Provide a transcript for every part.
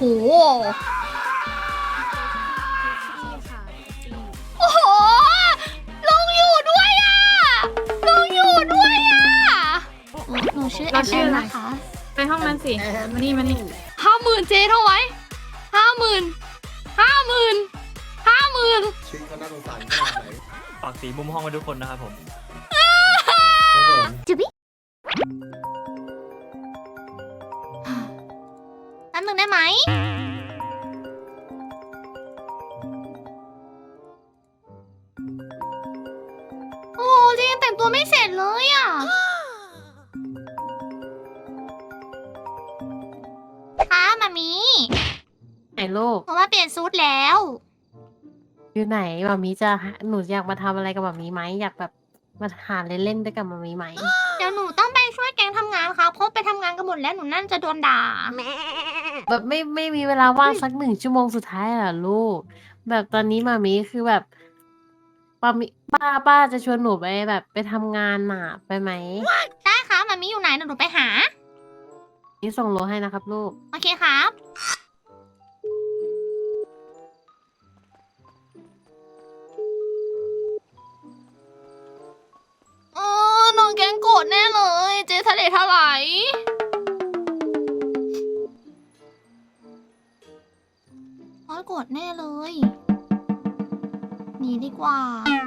โอ้โหลุงอยู่ด้วยอ่ะลุงอยู่ด้วยอ่ะหนูชื่อแอมนะคะไปห้องนั้นสิมานี่ 50,000เจ๊เท่าไหร่50,000 ชีวิตเขาน่าสงสารขนาดไหนฝากสีมุมห้องไว้ทุกคนนะครับผมครับผมจุบิแป๊บนึงได้ไหมโอ้เจ๊ยังแต่งตัวไม่เสร็จเลยอ่ะค่ะมามีไหนลูกเพราะว่าเปลี่ยนซูทแล้วอยู่ไหนหมามีจะหนูอยากมาทำอะไรกับหมามีไหมอยากแบบมาหาเล่นๆด้วยกับหมามีไหมเดี๋ยวหนูต้องไปช่วยแกงทำงานค่ะเพราะไปทำงานกันหมดแล้วหนูนั่นจะโดนด่าแบบไม่มีเวลาว่างสัก1 ชั่วโมงสุดท้ายเหรอลูก แบบตอนนี้หมามีคือแบบป้ามิป้าจะชวนหนูไปแบบไปทำงานน่ะไปไหมได้ค่ะมามีอยู่ไหนเดี๋ยวหนูไปหานี่ส่งโลให้นะครับลูกโอเคครับน้องแกงโกรธแน่เลย เจ๊ทะเลถลายน้องโกรธแน่เลยหนีดีกว่า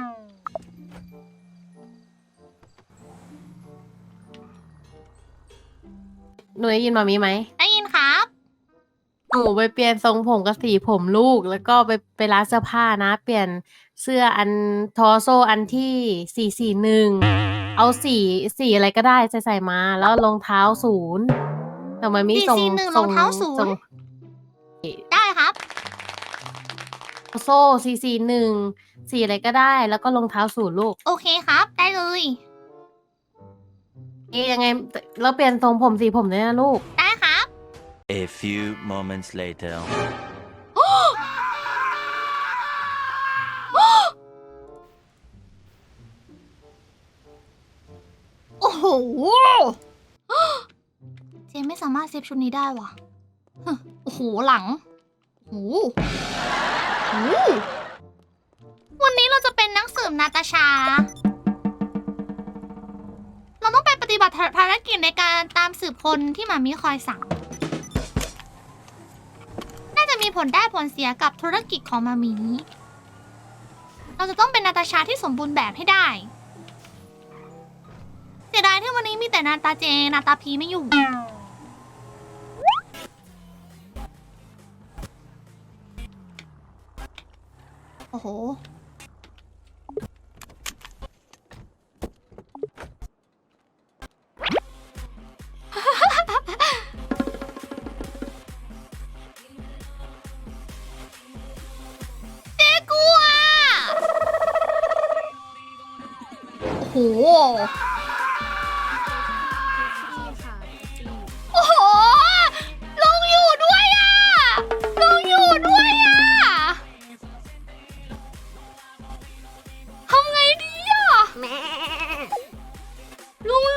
หนูได้ยินหมามีไหมได้ยินครับหนูไปเปลี่ยนทรงผมกับสีผมลูก แล้วก็ไปร้านเสื้อผ้านะ เปลี่ยนเสื้ออันทอโซอันที่441เอาสีอะไรก็ได้ใส่มา แล้วรองเท้า0แต่มันมีทรง 441รองเท้า0 ทรงได้ครับโซ่441สีอะไรก็ได้ แล้วก็รองเท้า0ลูกโอเคครับ ได้เลยยังไงเราเปลี่ยนทรงผมสีผมด้วยนะลูกได้ครับ A few moments later. โอ้โห เจมไม่สามารถเซฟชุดนี้ได้ว่ะโอ้โห หลังโอ้โหวันนี้เราจะเป็นนักสืบนาตาชา เราต้องไปปฏิบัติภารกิจในการตามสืบคนที่หมามีคอยสั่ง น่าจะมีผลได้ผลเสียกับธุรกิจของหมามี เราจะต้องเป็นนาตาชาที่สมบูรณ์แบบให้ได้ เสียดายที่วันนี้มีแต่นาตาเจนาตาพีไม่อยู่ โอ้โห เจ๊กลัว โอ้โห โอ้โหลุงอยู่ด้วยอ่ะลุงอยู่ด้วยอ่ะทำไงดีอ่ะลุง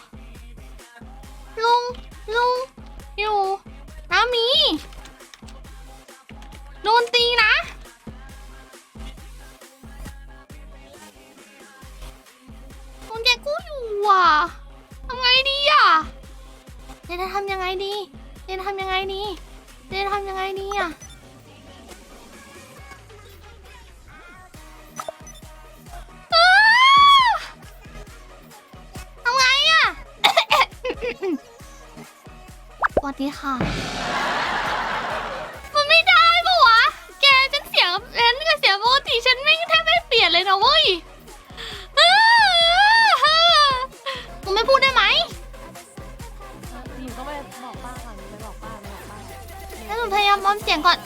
อยู่น้ามีโดนตีนะลุงแกกู้อยู่อ่ะทำไงดีอ่ะเจนจะทำยังไงดีเจนทำยังไงดีเจนทำยังไงดีอ่ะทำไงอ่ะ สวัสดีค่ะ มันไม่ได้ปะวะ แกฉันเสียงกับเสียงปกติฉันไม่แทบไม่เปลี่ยนเลยนะเว้ยมึงไม่พูดได้ไหมนี่ก็ไปบอกป้าก่อนไปบอกป้าแล้วหนูพยายามมอมเสียงก่อน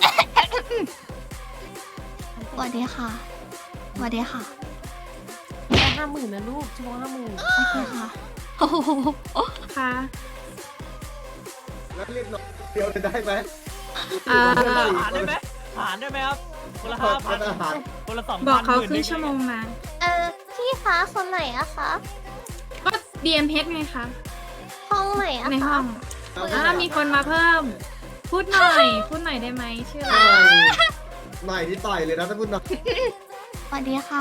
สวัสดีค่ะ สวัสดีค่ะแค่50,000นะลูกชั่วโมง50,000 โอเคค่ะโอ้โหค่ะแล้วเรียกน้องเดียวเลยได้ไหมอ่าหารได้ไหมหารได้ไหมครับคนละทานอาหาร 5,000คนละ2,000 บอกเขาครึ่งได้ไหชั่วโมงนะพี่คะคนไหนอะคะก็ DMH ไงคะห้องไหนอะในห้คะองมีคนมาเพิ่มพูดหน่อย พูดหน่อยได้ไหมชื่ออะไรหน่อยที่ต่อยเลยนะถ้าพูดหน่อยสวัสดีค่ะ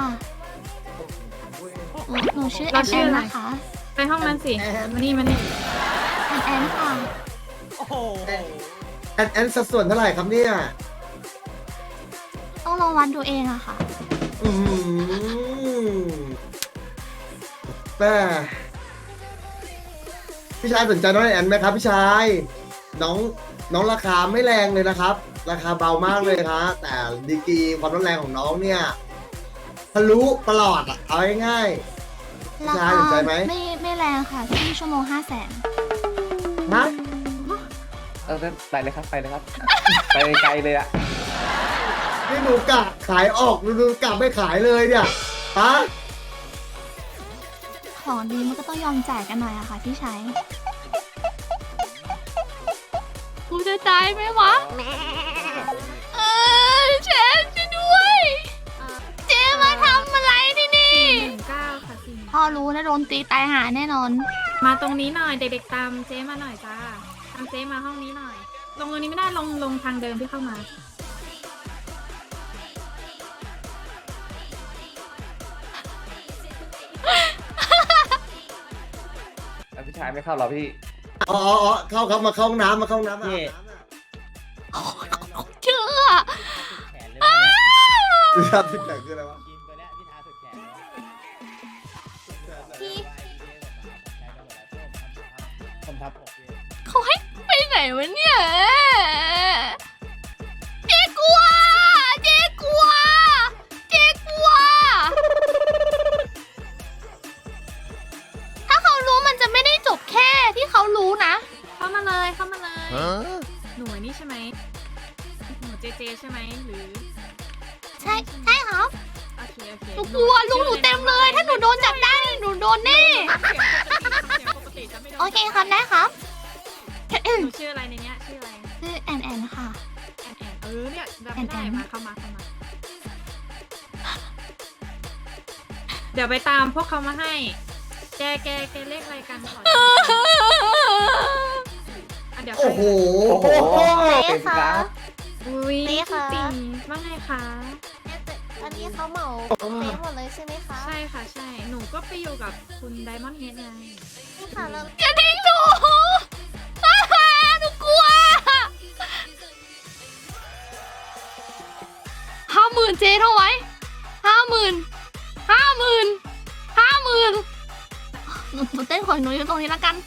หนูชื่อแอนแอนนะคะไปห้องมันสิมานี่มานี่แอนแอนค่ะโอ้โหแอนสัดส่วนเท่าไหร่ครับเนี่ยต้องลองวัดดูเองอะค่ะอืมแม่พี่ชายสนใจน้องแอนไหมครับพี่ชายน้องราคาไม่แรงเลยนะครับ ราคาเบามากเลยครับแต่ดีกรีความร้อนแรงของน้องเนี่ยทะลุตลอดอะเอาง่ายๆพี่ราชายคาสนใจไหมไม่แรงค่ะที่ชั่วโมง500,000 ฮะไปเลยครับ ไปเลยครับ ไปไกลเลยอะนี่หนูกะขายออกหนูกะไม่ขายเลยเนี่ยฮะของดีมันก็ต้องยอมจ่ายกันหน่อยอะค่ะพี่ชายกูจะตายไหมวะเชฟช่วยด้วย เจมาทำอะไรที่นี่ 419ค่ะ4 พ่อรู้นะโดนตีตายหาแน่นอนมาตรงนี้หน่อยเด็กๆตามเจ๊มาหน่อยจ้าตามเจ๊มาห้องนี้หน่อย ลงตรงนี้ไม่ได้ลงทางเดิมที่เข้ามาแล้วพี่ชายไม่เข้าหรอพี่อ๋อเข้าครับมาเข้าห้องน้ำมาเข้าห้องน้ำนี่เชื่อพี่ชายติดแต่งคืออะไรวะพี่ผมทับเขาให้ไปไหนวะเนี่ย เจ๊กลัว เจ๊กลัว เจ๊กลัว ถ้าเขารู้มันจะไม่ได้จบแค่ที่เขารู้นะเข้ามาเลยเข้ามาเลย หนูไอ้นี่ใช่ไหมหนูเจใช่ไหมหรือใช่ครับโอเคโอเคหนูกลัวลุงหนูเต็มเลย ถ้าหนูโดนจับได้หนูโดนแน่เสียงปกติจะไม่โดนโอเคครับได้ครับหนูชื่ออะไรในเนี้ยชื่ออะไรชื่อแอนแอนค่ะแอนเนี่ยจำไม่ได้แอนมาเข้ามาเดี๋ยวไปตามพวกเขามาให้ แกเลขอะไรกันขออ่ะเดี๋ยวโอ้โหเต็มกราฟอุ้ยเจ๊คะตีว่าไงคะอันนี้เขาเหมาเป๊ะหมดเลยใช่ไหมคะใช่ค่ะใช่ หนูก็ไปอยู่กับคุณไดมอนด์เฮดไงค่ะแล้วอย่าทิ้งหนูหนูกลัว50,000เจ๊เท่าไหร่50,000หนูเต้นของหนูอยู่ตรงนี้แล้วกัน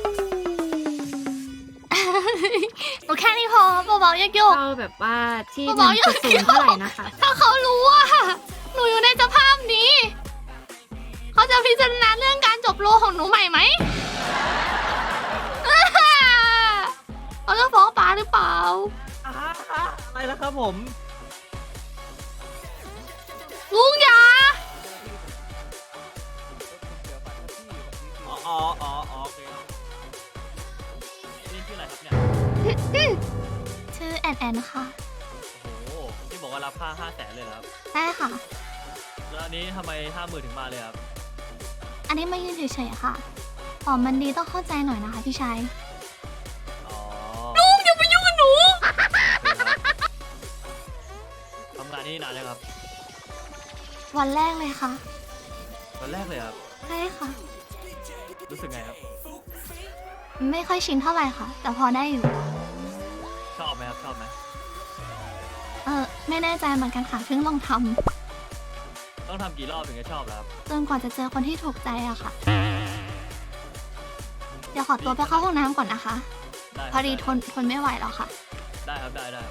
หนูแค่นี้พอเบาๆโยกเราแบบว่าที่ๆเบาๆโยก 1.0เท่าไหร่นะคะๆถ้าเขารู้ว่าหนูอยู่ในสภาพนี้ เขาจะพิจารณาเรื่องการจบโลของหนูใหม่ไหม เขาจะฟ้องป้าหรือเปล่าอะไรแล้วครับผมลุงอย่าอ๋อโอเคครับนี่ชื่ออะไรครับเนี่ยชื่อแอนแอนค่ะโอ้โหที่บอกว่ารับค่า500,000เลยเหรอครับได้ค่ะแล้วอันนี้ทำไม50,000ถึงมาเลยครับอันนี้มายืนเฉยๆค่ะของมันดีต้องเข้าใจหน่อยนะคะพี่ชายอ๋อลุงอย่าไปยุ่งกับหนูทำงานนี่นานเลยครับวันแรกเลยค่ะวันแรกเลยครับใช่ค่ะรู้สึกไงครับไม่ค่อยชินเท่าไหร่ค่ะ แต่พอได้อยู่ชอบไหมครับ ชอบไหมไม่แน่ใจเหมือนกันค่ะเพิ่งลองทต้องทำกี่รอบถึงจะชอบแล้วครับำจนกว่าจะเจอคนที่ถูกใจอะค่ะ เดี๋ยวขอตัวไปเข้าห้องน้ำก่อนนะคะได้ครับพอดีทนไม่ไหวแล้วค่ะได้ครับ ได้ครับ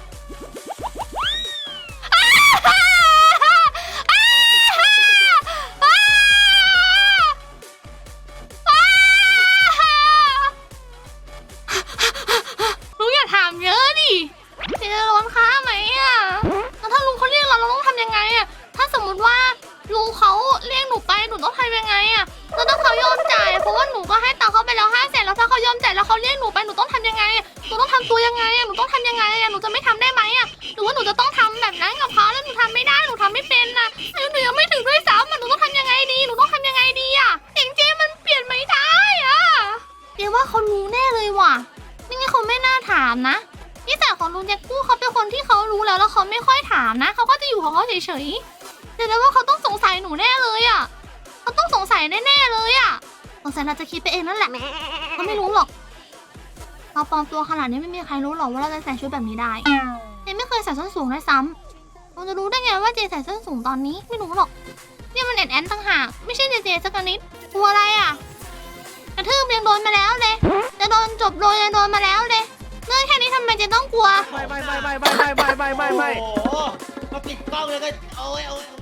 ลุงอย่าถามเยอะดิจะโดนค้าไหมอ่ะแล้วถ้าลุงเขาเรียกเราต้องทำยังไงอ่ะ ถ้าสมมุติว่าลุงเขาเรียกหนูไปหนูต้องทำยังไงอ่ะแล้วถ้าเขายอมจ่ายเพราะว่าหนูก็ให้ตังค์เขาไปแล้ว500,000แล้วถ้าเขายอมจ่ายแล้วเขาเรียกหนูไปหนูต้องทำยังไงอ่ะหนูต้องทำตัวยังไงอ่ะหนูต้องทำยังไงอ่ะหนูจะไม่ทำได้ไหมอ่ะหรือว่าหนูจะต้องทำแบบนั้นกับเขาแล้วหนูทำไม่ได้หนูทำไม่เป็นนะอายุหนูยังไม่ถึงด้วยซ้ำอ่ะหนูต้องทำยังไงดีหนูต้องทำยังไงดีอ่ะเองเจมันเปลี่ยนไม่ได้อ่ะเดี๋ยวว่าเขารู้แน่เลยว่ะไม่งั้นเขาไม่น่าถามนะ นิสัยลุงแจ็คกู้เขาเป็นคนที่เขารู้แล้วเขาไม่ค่อยถามนะเขาก็จะอยู่ของเขาเฉยๆแต่แล้วว่าเขาต้องสงสัยหนูแน่เลยอ่ะเขาต้องสงสัยแน่ๆเลยอ่ะสงสัยเราจะคิดไปเองนั่นแหละเขาไม่รู้หรอกเราปลอมตัวขนาดนี้ไม่มีใครรู้หรอกว่าเราจะใส่ชุดแบบนี้ได้เจไม่เคยใส่ส้นสูงด้วยซ้ำเราจะรู้ได้ไงว่าเจใส่ส้นสูงตอนนี้ไม่รู้หรอกเนี่ยมันแอนต่างหากไม่ใช่เจสักนิดกลัวอะไรอ่ะกระทืบยังโดนมาแล้วเลยจะโดนจบโดนยังโดนมาแล้วเลยเรื่องแค่นี้ทำไมเจต้องกลัวไม่โอ้โหมาปิดกล้องเลยก็โอ้ย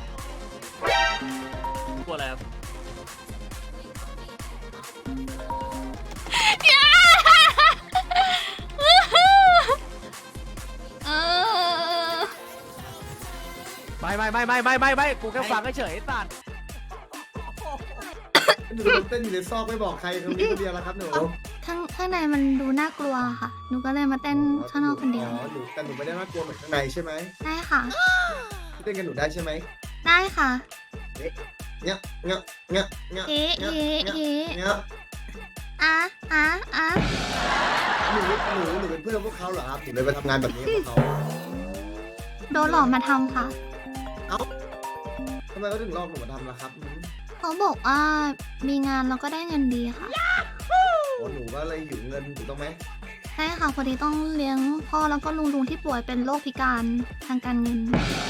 กลัวอะไรครับเออไม่กูแค่ฟังเฉยๆสัตว์หนูเต้นอยู่ในซอกไม่บอกใครตรงนี้คนเดียวแล้วครับหนูข้างในมันดูน่ากลัวค่ะหนูก็เลยมาเต้นข้างนอกคนเดียวอ๋อหนูแต่หนูไม่ได้น่ากลัวเหมือนข้างในใช่ไหมได้ค่ะเต้นกันหนูได้ใช่ไหมได้ค่ะเงี้ยเงี้ยเงี้ยเงี้ยเอ๊ะเงี้ยเอ๊ะเงี้ยเอ๊ะเงี้ยอ่ะหนูเป็นเพื่อนพวกเขาเหรอครับหนูเลยไปทำงานแบบนี้กับเขาโดนหลอกมาทำค่ะทำไมเขาถึงลอกหนูมาทำล่ะครับเขาบอกว่ามีงานเราก็ได้เงินดีค่ะโอ้หนูก็เลยหิวเงินถูกต้องไหมใช่ค่ะพอดีต้องเลี้ยงพ่อแล้วก็ลุงที่ป่วยเป็นโรคพิการทางการเงิน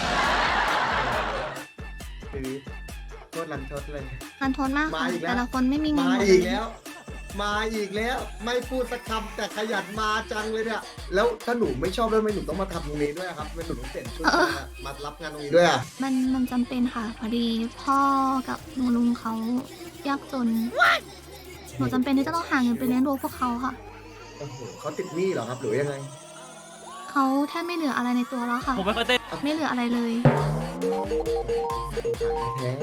คือโทษรันทดเลยรันทดมากค่ะมาอีกแล้วแต่ละคนไม่มีเงินมาหมดอีกเลยแล้ว มาอีกแล้ว ไม่พูดสักคำแต่ขยันมาจังเลยเนี่ย แล้วถ้าหนูไม่ชอบด้วยทำไมหนูต้องมาทำตรงนี้ด้วยอะครับทำไมหนูต้องเปลี่ยนชุดมารับงานตรงนี้ด้วยอ่ะมันจำเป็นค่ะ พอดีพ่อกับลุงเขายากจนหนูจำเป็นที่จะต้องหาเงินไปเลี้ยงดูพวกเขาค่ะโอ้โหเขาติดหนี้เหรอครับหรือยังไงเขาแทบไม่เหลืออะไรในตัวแล้วค่ะผมไม่เคยเต้นไม่เหลืออะไรเลยแท้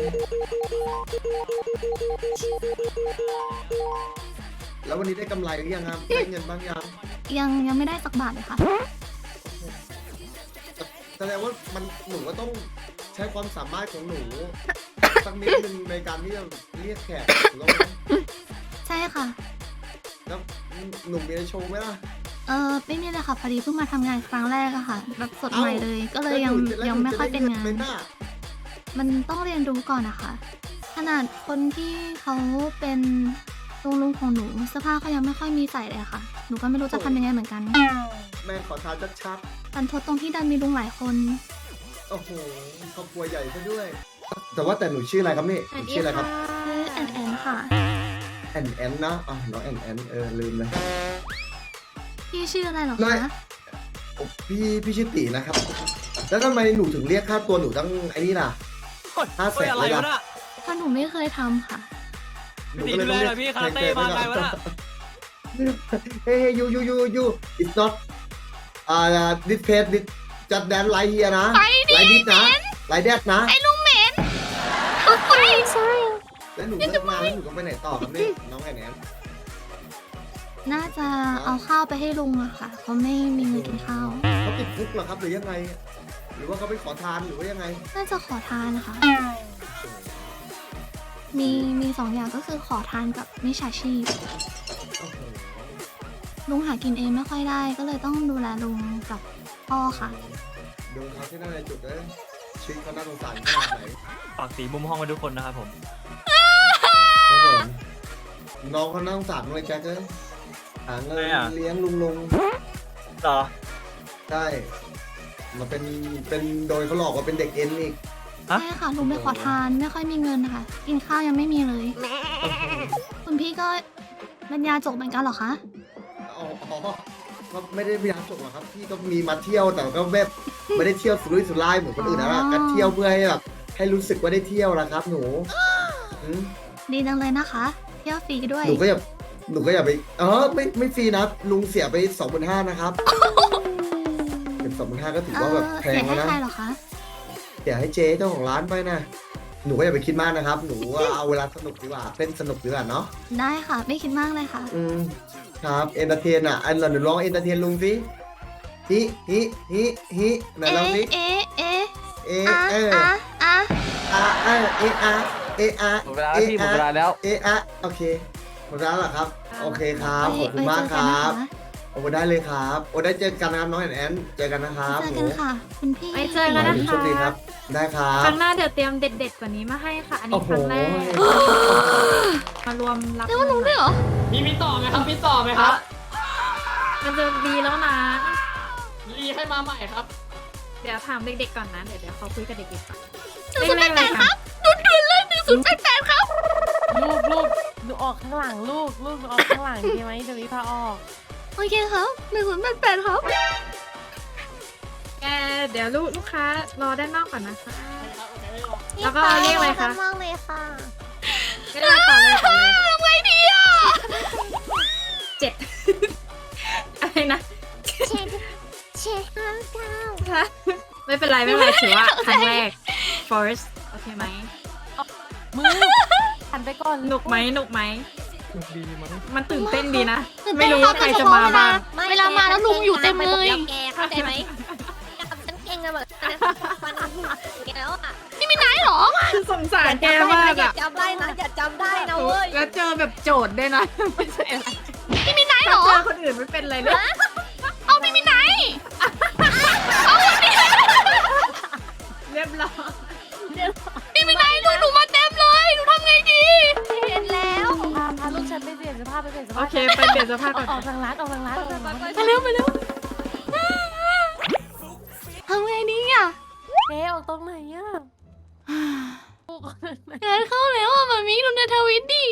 แล้ววันนี้ได้กำไรหรือยังครับ ได้เงินบ้างยังยังไม่ได้สักบาทเลยค่ะแสดงว่ามันหนูก็ต้องใช้ความสามารถของหนูสักนิดนึงในการที่จะเรียกแขกถูกต้องไหมใช่ค่ะแล้วหนูมีอะไรโชว์ไหมล่ะไม่มีเลยค่ะพอดีเพิ่งมาทำงานครั้งแรกอะค่ะ แบบสดใหม่เลย ก็เลยยังไม่ค่อยเป็นงาน มันต้องเรียนรู้ก่อนนะคะ ขนาดคนที่เขาเป็นลุงของหนูเสื้อผ้าเขายังไม่ค่อยมีใส่เลยอะค่ะ หนูก็ไม่รู้จะทำยังไงเหมือนกันแม่ขอทานชัดตันทดตรงที่ดันมีลุงหลายคนๆโอ้โหครอบครัวใหญ่ซะด้วย แต่ว่าแต่หนูชื่ออะไรครับนี่หนูชื่ออะไรครับชื่อแอนแอนค่ะแอนแอนนะอ๋อน้องแอนแอนลืมเลยพี่ชื่ออะไรเหรอไม่คะโอ้พี่ชื่อตีนะครับ แล้วทำไมหนูถึงเรียกค่าตัวหนูตั้งไอ้นี่ล่ะ 500,000 เฮ้ยอะไรวะน่ะเพราะหนูไม่เคยทำค่ะหนูก็เลยต้องเรียกพี่คาราเต้มาไงวะน่ะเฮ้ยyou it's not this page this just dance like here นะ like this นะ like that นะไอ้ลุงเหม็นใช่แล้วหนูเลิกมาแล้วหนูก็ไปไหนต่อครับนี่น้องแอนแอนน่าจะเอาข้าวไปให้ลุงอะค่ะ เขาไม่มีเงินกินข้าวเขาติดคุกเหรอครับหรือยังไง หรือว่าเขาไปขอทานหรือว่ายังไงน่าจะขอทานนะคะ มีสองอย่างก็คือขอทานกับมิจฉาชีพโอ้โหลุงหากินเองไม่ค่อยได้ ก็เลยต้องดูแลลุงกับพ่อค่ะดูเขาที่นั่นในจุดเลยชีวิตเขาน่าสงสารขนาดไหนฝากสีมุมห้องไว้ทุกคนนะครับผมครับผมน้องเขาน่าสงสารเลยแจ็คเลยหาเงินทำไมอะเลี้ยงลุงเหรอใช่มาเป็นโดยเขาหลอกว่าเป็นเด็กเอ็นอีกฮะใช่ค่ะลุงไปขอทานไม่ค่อยมีเงินนะคะกินข้าวยังไม่มีเลยโอ้โหคุณพี่ก็บรรยาจบเหมือนกันเหรอคะอ๋อก็ไม่ได้พยายามจบหรอกครับพี่ก็มีมาเที่ยวแต่ก็แบบไม่ได้เที่ยวสุรุ่ยสุร่ายเหมือนคนอื่นนะก็เที่ยวเพื่อให้แบบให้รู้สึกว่าได้เที่ยวนะครับหนูอืมดีจังเลยนะคะเที่ยวฟรีด้วยหนูก็อย่าไปไม่ฟรีนะลุงเสียไป 25,000นะครับเป็น25,000ก็ถือว่าแบบแพเสีงยให้แล้วนะใครเหรอคะเสียให้เจ๊เจ้าของร้านไปนะหนูก็อย่าไปคิดมากนะครับ หนูว่าเอาเวลาสนุกดีกว่าเล่นสนุกดีกว่าเนาะได้ค่ะ ไม่คิดมากเลยค่ะครับเอนเตอร์เทนอ่ะอันหนูร้องเอนเตอร์เทนลุงสิฮิไหนลองสิเอ๊ะเอะอ่ะเอออ่ะอ่ะอะหมดเวลาแล้วพี่หมดเวลาแล้วโอเคหมดแล้วเหรอครับ โอเคครับขอบคุณมากครับโอ้ได้เลยครับโอ้ได้เจอกันนะครับน้องแอนเจอกันนะครับเจอกันค่ะคุณพี่ไว้เจอกันนะโชคะคดีครับ ได้ครัคบรั้งหน้าเดี๋ยวเตรียมเด็ดๆกว่านี้มาให้ค่ะ อันนี้โอ้โหครั้งแรกมารวมรับเรียกว่าลุงด้วยเหรอมีต่อไหมครับมีต่อไหมครับมันจะดีแล้วนะรีให้มาใหม่ครับเดี๋ยวถามเด็กๆก่อนนะ เดี๋ยวเขาคุยกับเด็กๆก่อน 1088ครับดุนเลย1088ครับลูกดูออกข้างหลังลูกดูออกข้างหลังใช่ไหมเดี๋ยวนี้พาออกโอเคครับ1088ครับแกเดี๋ยวลูกค้ารอด้านนอกก่อนนะคะ แล้วก็เรียกอะไรคะมากเลยค่ะไม่ได้ต่อเลยต่อเลยทำไงดีอ่ะ 7 อะไรนะเช็ด59 ฮะไม่เป็นไรไม่เป็นไรถือว่าครั้งแรก first โอเคไหมมือหันไปก่อนหนุกไหมหนุกไหมดีมั้งมันตื่นเต้นดีนะตื่นเต้นไม่รู้ว่าใครจะมาบ้างเวลามาแล้วลุงอยู่เต็มเลยแกเข้าใจไหมฉันเก่งอะแบบมันแกแล้วอะนี่มีไหนเหรอสงสารแกมากอย่าอะจำได้นะอย่าจำได้นะเว้ยแล้วเจอแบบโจทย์ด้วยนะ ไม่ใช่อะไรนี่มีไหนเหรอเจอคนอื่นไม่เป็นไรเลยเอาพี่มีไหนเรียบร้อยพี่มีไหนลุงหนูมาเต็มเลยหนูทำไงดีเห็นแล้วพาลูกฉันไปเปลี่ยนเสื้อผ้าไปเปลี่ยนเสื้อโอผ้าเคไปเปลี่ยนเสื้อผ้าก่อนออกทางร้านออกทางร้านออกทางร้านไปเร็วไปเร็วทำไงดีอ่ะเจ๊ออกตรงไหนอ่ะลูกงานเข้าแล้วอ่ะมามีดูในทวิตดิ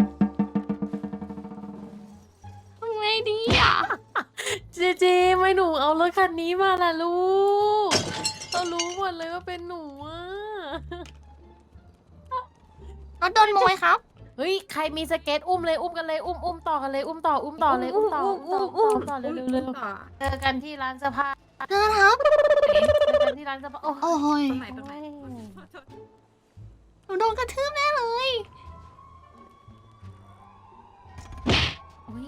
ทำไงดีอ่ะเจไม่หนูเอารถคันนี้มาล่ะลูกเรารู้หมดเลยว่าเป็นหนูอ่ะรถโดนโมยครับเฮ้ยใครมีสเก็ตอุ้มเลยอุ้มกันเลยอุ้มต่อกันเลยอุ้มต่อเลยอุ้มต่อเร็วเจอกันที่ร้านเสื้อผ้าเจอครับเจอกันที่ร้านเสื้อผ้าโอ้โอ้ยตรงไหนตรงไหนหนูโดนกระทืบแน่เลยโอ้ย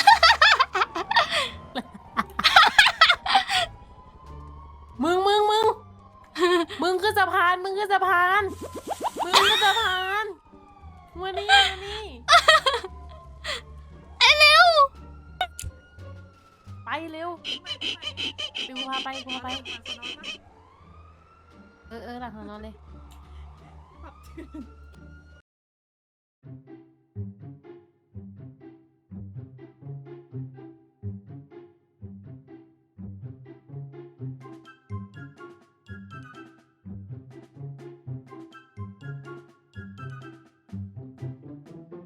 มึงขึ้นสะพานมึงขึ้นสะพานมานี่เร็วไปเร็วดูพาไปเออหลังของนอนเลย